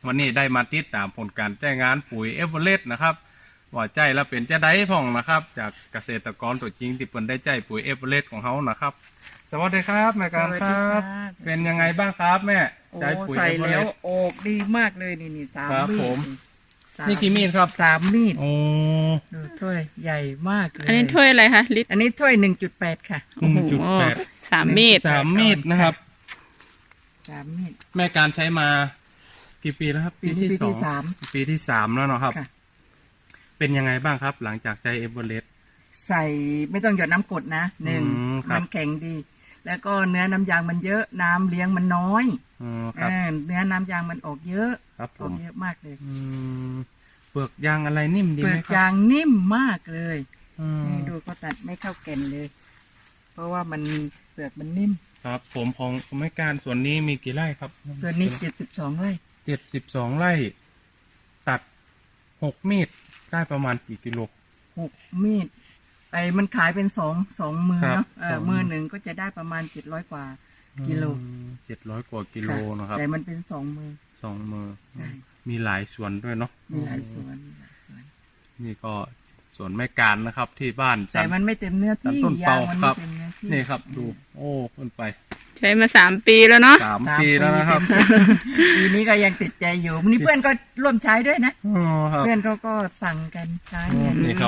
วันนี้ได้มาติดตามผลการจ้างงานปุ๋ยเอเวอเรสต์นะครับว่าใจแล้วเป็นจะได้พ่องนะครับจากเกษตรกรตัวจริงที่เพิ่นได้ใจปุ๋ยเอเวอเรสต์ของเขานะครับสวัสดีครับแม่การครับเป็นยังไงบ้างครับแม่ใจปุ๋ยใส่เอเวอเรแล้สวต์ออกดีมากเลยนี่สามครับมีผดมสานี่กี่มีดครับ 3 มีดโอ้ดูถ้วยใหญ่มากเลยอันนี้ถ้วยอะไรคะลิตรอันนี้ถ้วย 1.8 ค่ะ 1.8 3 มีด 3 มีดนะครับ 3 มีดแม่การใช้มากี่ปีแล้วครับปีที่สองสามปีที่สามแล้วเนาะครับค่ะเป็นยังไงบ้างครับ หลังจากใจเอเวอเรสต์ใส่ไม่ต้องหยดน้ำกรดนะหนึ่งครับมันแข็งดี แล้วก็เนื้อน้ำยางมันเยอะน้ำเลี้ยงมันน้อยครับเนื้อน้ำยางมันออกเยอะครับผออกมเยอะมากเลยเปลือกยางอะไรนิ่มดีเปลืไหมอกครับยางนิ่มมากเลยอืมนี่ดูเขาตัดไม่เข้าแก่นเลย เพราะว่ามันเปลือกมันนิ่มครับ ผมของแม่การส่วนนี้มีกี่ไร่ครับส่วนนี้72 ไร่ 72 ไร่ ตัด6 มีดได้ประมาณกี่กิโล 6 มีดมันขายเป็นสองมือครับเนาะสองมือมือหนึ่งก็จะได้ประมาณ700 กว่ากิโล 700 กว่ากิโลค่ะนะครับแต่มันเป็น2 มือ 2 มือใช่มีหลายสวนด้วยเนาะมีหลายสวนมีหลายสวนนี่ก็สวนแม่การนะครับ ที่บ้านแต่มันไม่เต็มเนื้อที่ต้นยาเปางมันครัไม่บเต็มเนื้อที่นี่ครับดู โอ้ขึ้นไปใช้มา3 ปีแล้วเนาะ 3 ปีแล้วนะครับเต็มปีนี้ก็ยังติดใจอยู่นี่เพื่อนก็ร่วมใช้ด้วยนะอ๋อครับเพื่อนเขาก็สั่งกันใช้กันนี่ครับ